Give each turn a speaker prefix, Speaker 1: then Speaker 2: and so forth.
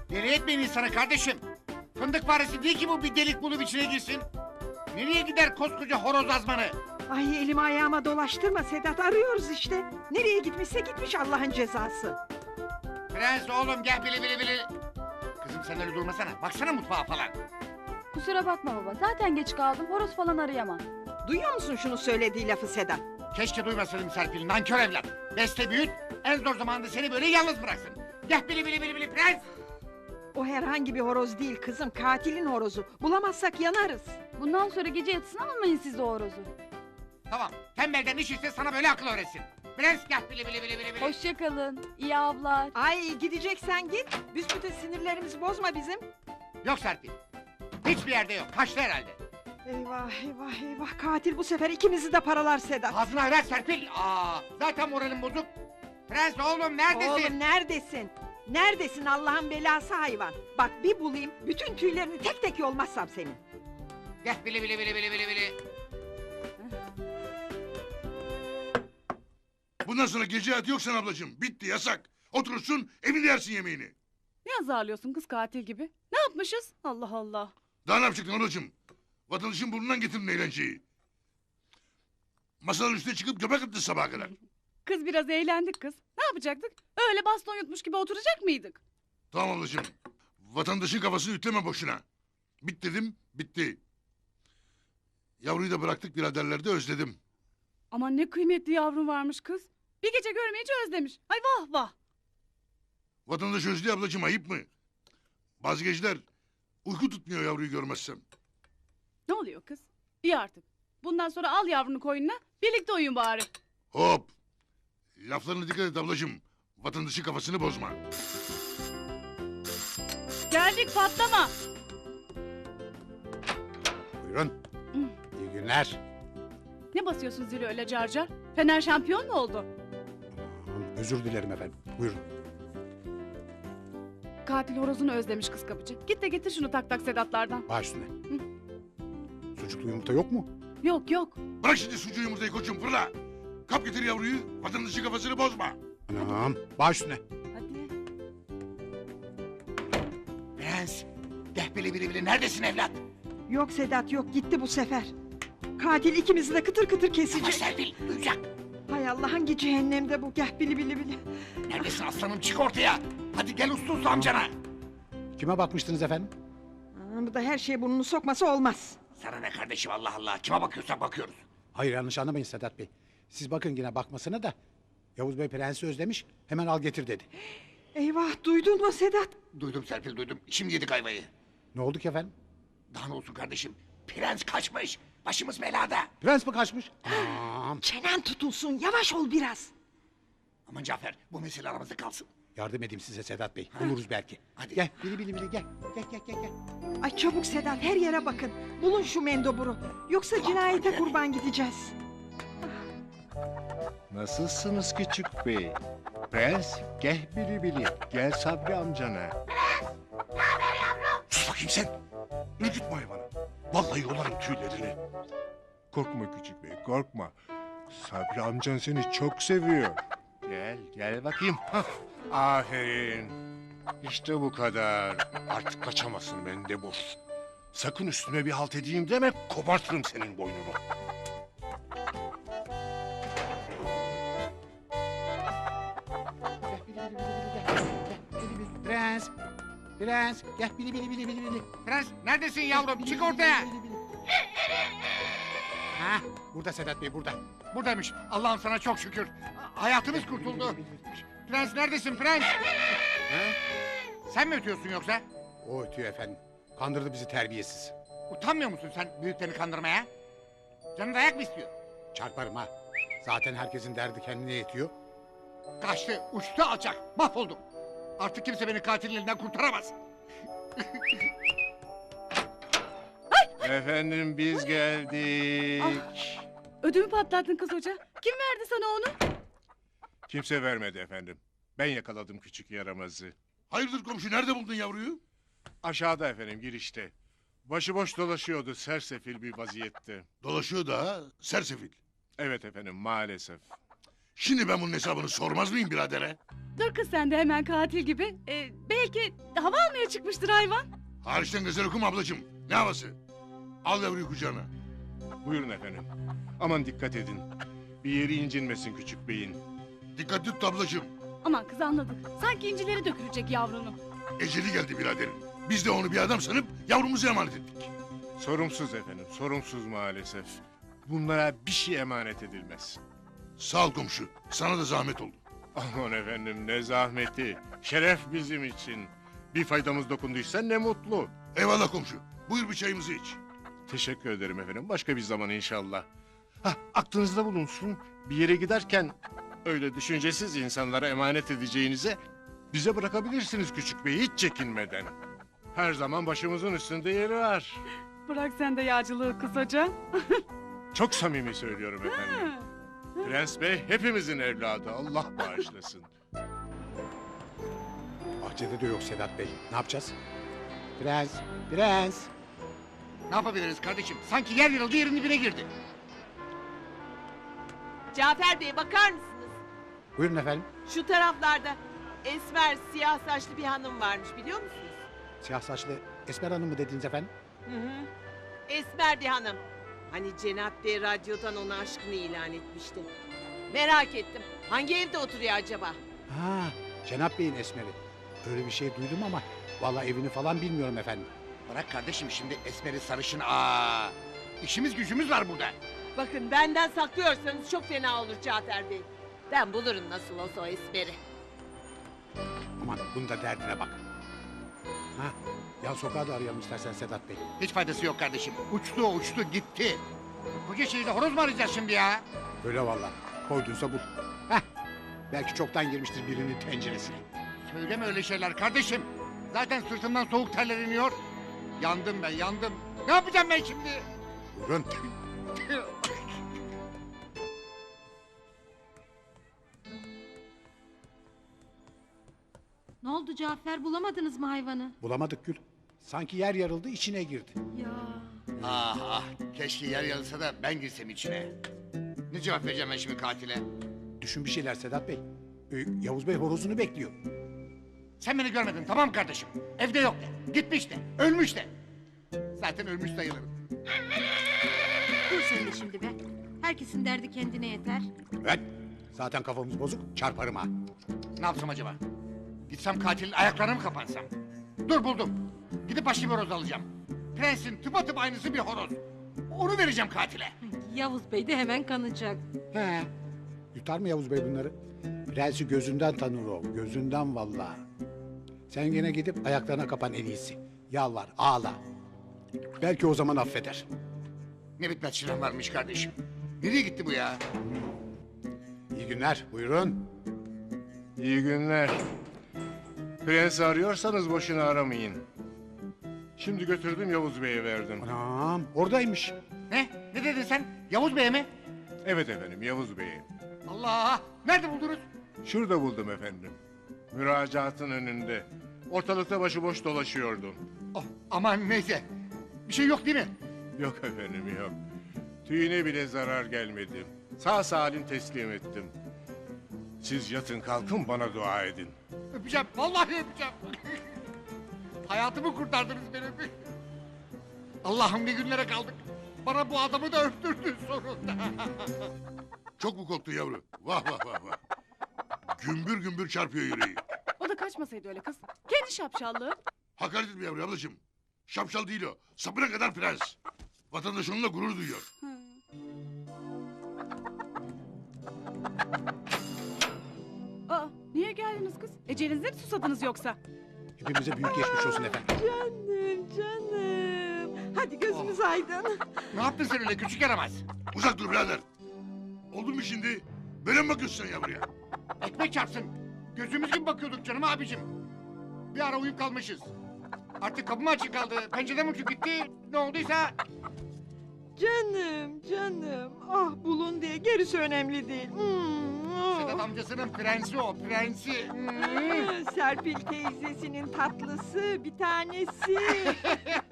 Speaker 1: Deli etmeyin insanı kardeşim. Fındık faresi değil ki bu bir delik bulup içine girsin. Nereye gider koskoca horoz azmanı?
Speaker 2: Ay elimi ayağıma dolaştırma Sedat, arıyoruz işte. Nereye gitmişse gitmiş Allah'ın cezası.
Speaker 1: Prens oğlum gel bili bili bili. Kızım sen öyle durmasana. Baksana mutfağa falan.
Speaker 3: Kusura bakma baba. Zaten geç kaldım. Horoz falan arayamam.
Speaker 2: Duyuyor musun şunu söylediği lafı Sedat?
Speaker 1: Keşke duymasaydım Serpil. Nankör evlat. Beste büyüt. En zor zamanda seni böyle yalnız bıraksın. Gel bili bili bili bili prens.
Speaker 2: O herhangi bir horoz değil kızım, katilin horozu. Bulamazsak yanarız.
Speaker 3: Bundan sonra gece yatısına almayın siz de o horozu.
Speaker 1: Tamam. Tembelden iş işte sana böyle akıl öğretsin. Prens gel bili bili bili bili bili.
Speaker 3: Hoşça kalın. İyi avlar.
Speaker 2: Ay gideceksen git. Büsbütün sinirlerimizi bozma bizim.
Speaker 1: Yok Serpil. Hiçbir yerde yok. Kaçtı herhalde.
Speaker 2: Eyvah eyvah eyvah, katil bu sefer ikimizi de paralar Sedat.
Speaker 1: Ağzına ver Serpil. Zaten moralim bozuk. Prens oğlum neredesin?
Speaker 2: Oğlum neredesin? Neredesin Allah'ın belası hayvan? Bak bir bulayım, bütün tüylerini tek tek yolmazsam senin.
Speaker 1: Gel bili bili bili bili bili bili.
Speaker 4: Bundan sonra gece hayatı yok sen ablacığım. Bitti yasak. Oturursun evinde yersin yemeğini.
Speaker 5: Ne azarlıyorsun kız katil gibi? Ne yapmışız? Allah Allah.
Speaker 4: Daha ne yapacaktın ablacığım? Vatandaşın burnundan getirdin eğlenceyi. Masanın üstüne çıkıp göbek attın sabaha kadar.
Speaker 5: Kız biraz eğlendik kız. Ne yapacaktık? Öyle baston yutmuş gibi oturacak mıydık?
Speaker 4: Tamam ablacığım. Vatandaşın kafasını ütleme boşuna. Bit dedim, bitti. Yavruyu da bıraktık biraderler de özledim.
Speaker 5: Aman ne kıymetli yavrum varmış kız. Bir gece görmeyince özlemiş. Ay vah vah.
Speaker 4: Vatandaş özlüyor ablacığım, ayıp mı? Bazı geceler uyku tutmuyor yavruyu görmezsem.
Speaker 5: Ne oluyor kız? İyi artık. Bundan sonra al yavrunu koynuna. Birlikte uyuyun bari.
Speaker 4: Hop! Laflarına dikkat et ablacığım. Vatandaşın kafasını bozma.
Speaker 5: Geldik patlama.
Speaker 6: Buyurun. İyi günler.
Speaker 5: Ne basıyorsun zili öyle carcar? Fener şampiyon mu oldu?
Speaker 6: Aman, özür dilerim efendim. Buyurun.
Speaker 5: Katil horozunu özlemiş kız kapıcı. Git de getir şunu tak tak Sedatlardan.
Speaker 6: Baş üstüne. Sucuklu yumurta yok mu?
Speaker 5: Yok yok.
Speaker 4: Bırak şimdi sucuğu yumurtayı koçum fırla. Kap getir yavruyu. Vatandaşın kafasını bozma.
Speaker 6: Anam. Baş üstüne.
Speaker 5: Hadi.
Speaker 1: Prens. Gel bili bili bili. Neredesin evlat?
Speaker 2: Yok Sedat yok, gitti bu sefer. Katil ikimizi de kıtır kıtır
Speaker 1: Ama
Speaker 2: kesecek.
Speaker 1: Serpil duyacak.
Speaker 2: Hay Allah, hangi cehennemde bu, geh bili bili bili.
Speaker 1: Neredesin aslanım çık ortaya. Hadi gel uslu uslu amcana.
Speaker 6: Kime bakmıştınız efendim?
Speaker 2: Bu da her şeye burnunu sokması olmaz.
Speaker 1: Sana ne kardeşim Allah Allah. Kime bakıyorsak bakıyoruz.
Speaker 6: Hayır yanlış anlamayın Sedat Bey. Siz bakın yine bakmasına da. Yavuz Bey prensi özlemiş. Hemen al getir dedi.
Speaker 2: Eyvah, duydun mu Sedat?
Speaker 1: Duydum Serpil duydum. Şimdi yedik ayvayı.
Speaker 6: Ne oldu ki efendim?
Speaker 1: Daha ne olsun kardeşim. Prens kaçmış. Başımız belada.
Speaker 6: Prens mi kaçmış? Anam.
Speaker 2: Çenen tutulsun, yavaş ol biraz.
Speaker 1: Aman Cafer bu mesele aramızda kalsın.
Speaker 6: Yardım edeyim size Sedat Bey. Buluruz belki.
Speaker 1: Hadi.
Speaker 6: Gel bili bili bili gel. Gel.
Speaker 2: Ay çabuk Sedat, her yere bakın. Bulun şu mendoburu. Yoksa cinayete kurban gideceğiz.
Speaker 7: Nasılsınız küçük bey? Prens, gel bili bili. Gel Sabri amcana.
Speaker 4: Sus bakayım sen. Ürkütme hayvanı. Vallahi yolarım tüylerini.
Speaker 7: Korkma küçük bey, korkma. Sabri amcan seni çok seviyor. Gel bakayım. Hah, aferin. İşte bu kadar. Artık kaçamazsın mendebur. Sakın üstüme bir halt edeyim deme, kopartırım senin boynunu.
Speaker 6: Prens. Prens. Gel bili bili.
Speaker 1: Prens neredesin yavrum çık ortaya.
Speaker 6: Ha, burada Sedat Bey burada.
Speaker 1: Buradaymış. Allah'ım sana çok şükür. Hayatımız kurtuldu. Prens neredesin prens? Sen mi ötüyorsun yoksa?
Speaker 6: O ötüyor efendim. Kandırdı bizi terbiyesiz.
Speaker 1: Utanmıyor musun sen büyüklerini kandırmaya? Canın dayak mı istiyor?
Speaker 6: Çarparım ha. Zaten herkesin derdi kendine yetiyor.
Speaker 1: Kaçtı, uçtu alçak. Mahvoldum. Artık kimse beni katilin elinden kurtaramaz.
Speaker 7: Efendim biz geldik.
Speaker 5: Ödümü patlattın kız hoca. Kim verdi sana onu?
Speaker 7: Kimse vermedi efendim. Ben yakaladım küçük yaramazı.
Speaker 4: Hayırdır komşu, nerede buldun yavruyu?
Speaker 7: Aşağıda efendim girişte. Başıboş dolaşıyordu sersefil bir vaziyette.
Speaker 4: Dolaşıyor da sersefil.
Speaker 7: Evet efendim maalesef.
Speaker 4: Şimdi ben bunun hesabını sormaz mıyım biradere?
Speaker 5: Dur kız sen de hemen katil gibi. Belki hava almaya çıkmıştır hayvan.
Speaker 4: Hariçten gazel okuma ablacığım. Ne havası? Al yavruyu kucağına.
Speaker 7: Buyurun efendim. Aman dikkat edin. Bir yeri incinmesin küçük beyin.
Speaker 4: Dikkat tut ablacığım.
Speaker 5: Aman kız anladık. Sanki incileri dökülecek yavrunun.
Speaker 4: Eceli geldi biraderin. Biz de onu bir adam sanıp yavrumuzu emanet ettik.
Speaker 7: Sorumsuz efendim, sorumsuz maalesef. Bunlara bir şey emanet edilmez.
Speaker 4: Sağ ol komşu. Sana da zahmet oldu.
Speaker 7: Aman efendim ne zahmeti. Şeref bizim için. Bir faydamız dokunduysa ne mutlu.
Speaker 4: Eyvallah komşu. Buyur bir çayımızı iç.
Speaker 7: Teşekkür ederim efendim. Başka bir zaman inşallah. Aklınızda bulunsun. Bir yere giderken öyle düşüncesiz insanlara emanet edeceğinize bize bırakabilirsiniz küçük bey hiç çekinmeden. Her zaman başımızın üstünde yeri var.
Speaker 5: Bırak sen de yağcılığı kız hoca.
Speaker 7: Çok samimi söylüyorum efendim. Prens Bey hepimizin evladı. Allah bağışlasın.
Speaker 6: Bahçede de yok Sedat Bey. Ne yapacağız? Prens, prens.
Speaker 1: Ne yapabiliriz kardeşim? Sanki yer yarıldı yerin dibine girdi.
Speaker 8: Cafer Bey bakar mısınız?
Speaker 6: Buyurun efendim.
Speaker 8: Şu taraflarda esmer siyah saçlı bir hanım varmış biliyor musunuz?
Speaker 6: Siyah saçlı Esmer Hanım mı dediniz efendim?
Speaker 8: Hı hı. Esmer bir hanım. Hani Cenap Bey radyodan ona aşkını ilan etmişti. Merak ettim. Hangi evde oturuyor acaba?
Speaker 6: Ha, Cenap Bey'in Esmer'i. Öyle bir şey duydum ama vallahi evini falan bilmiyorum efendim.
Speaker 1: Bırak kardeşim şimdi esmeri sarışın. İşimiz gücümüz var burada.
Speaker 8: Bakın benden saklıyorsanız çok fena olur Cafer Bey. Ben bulurum nasıl olsa o esmeri.
Speaker 6: Aman bunun da derdine bak. Ha, yan sokağı da arayalım istersen Sedat Bey.
Speaker 1: Hiç faydası yok kardeşim. Uçtu gitti. Koca şehirde horoz mu arayacağız şimdi ya?
Speaker 6: Öyle vallahi. Koyduysa bul. Heh, belki çoktan girmiştir birinin tenceresine.
Speaker 1: Söyleme öyle şeyler kardeşim. Zaten sırtımdan soğuk terler iniyor. Yandım ben yandım. Ne yapacağım ben şimdi?
Speaker 6: Buyurun.
Speaker 3: Ne oldu Cafer, bulamadınız mı hayvanı?
Speaker 6: Bulamadık Gül. Sanki yer yarıldı içine girdi.
Speaker 3: Ya
Speaker 1: Ah keşke yer yarılsa da ben girsem içine. Ne cevap vereceğim ben şimdi katile?
Speaker 6: Düşün bir şeyler Sedat Bey. Yavuz Bey horozunu bekliyor.
Speaker 1: Sen beni görmedin tamam mı kardeşim? Evde yok de. Gitmiş de. Ölmüş de. Zaten ölmüş sayılırım.
Speaker 3: dur sen de şimdi be. Herkesin derdi kendine yeter.
Speaker 6: Evet. Zaten kafamız bozuk çarparım ha.
Speaker 1: Ne yapsam acaba? Gitsem katilin ayaklarına mı kapansam? Dur buldum. Gidip başka bir horoz alacağım. Prensin tıpatıp aynısı bir horoz. Onu vereceğim katile.
Speaker 3: Yavuz Bey de hemen kanacak.
Speaker 6: He. Yutar mı Yavuz Bey bunları? Prensi gözünden tanır o. Gözünden vallahi. Sen gene gidip ayaklarına kapan en iyisi. Yalvar, ağla. Belki o zaman affeder.
Speaker 1: Ne bitmez çilem varmış kardeşim. Nereye gitti bu ya?
Speaker 6: İyi günler, buyurun.
Speaker 7: İyi günler. Prens arıyorsanız boşuna aramayın. Şimdi götürdüm Yavuz Bey'e verdim.
Speaker 6: Anam, oradaymış.
Speaker 1: Ne? Ne dedin sen? Yavuz Bey'e mi?
Speaker 7: Evet efendim Yavuz Bey'e.
Speaker 1: Allah! Nerede buldunuz?
Speaker 7: Şurada buldum efendim. Müracaatın önünde. Ortalıkta başıboş dolaşıyordum.
Speaker 1: Oh, aman neyse. Bir şey yok değil mi?
Speaker 7: Yok efendim yok. Tüyüne bile zarar gelmedi. Sağ salim teslim ettim. Siz yatın kalkın bana dua edin.
Speaker 1: Öpeceğim. Vallahi öpeceğim. Hayatımı kurtardınız benim. Allah'ım ne günlere kaldık. Bana bu adamı da öptürdün sonunda.
Speaker 4: Çok mu korktun yavru? Vah vah vah vah. Gümbür gümbür çarpıyor yüreği.
Speaker 5: O da kaçmasaydı öyle kız. Kendi şapşallığı.
Speaker 4: Hakaret etme yavru ablacığım. Şapşal değil o. Sapına kadar prens. Vatandaş onunla gurur duyuyor.
Speaker 5: Niye geldiniz kız? Ecelinize mi susadınız yoksa?
Speaker 6: Hepimize büyük geçmiş olsun efendim.
Speaker 2: Canım. Hadi gözünüz aydın.
Speaker 1: Ne yaptın sen öyle küçük yaramaz?
Speaker 4: Uzak dur birader. Oldu mu şimdi? Böyle mi bakıyorsun sen yavruya?
Speaker 1: Ekmek çarpsın. Gözümüz gibi bakıyorduk canım abicim. Bir ara uyuyup kalmışız. Artık kapı mı açık kaldı? Pencereden mi uçup gitti? Ne olduysa...
Speaker 2: Canım. Ah bulun diye gerisi önemli değil.
Speaker 1: Sedat amcasının prensi o, prensi.
Speaker 2: Serpil teyzesinin tatlısı bir tanesi.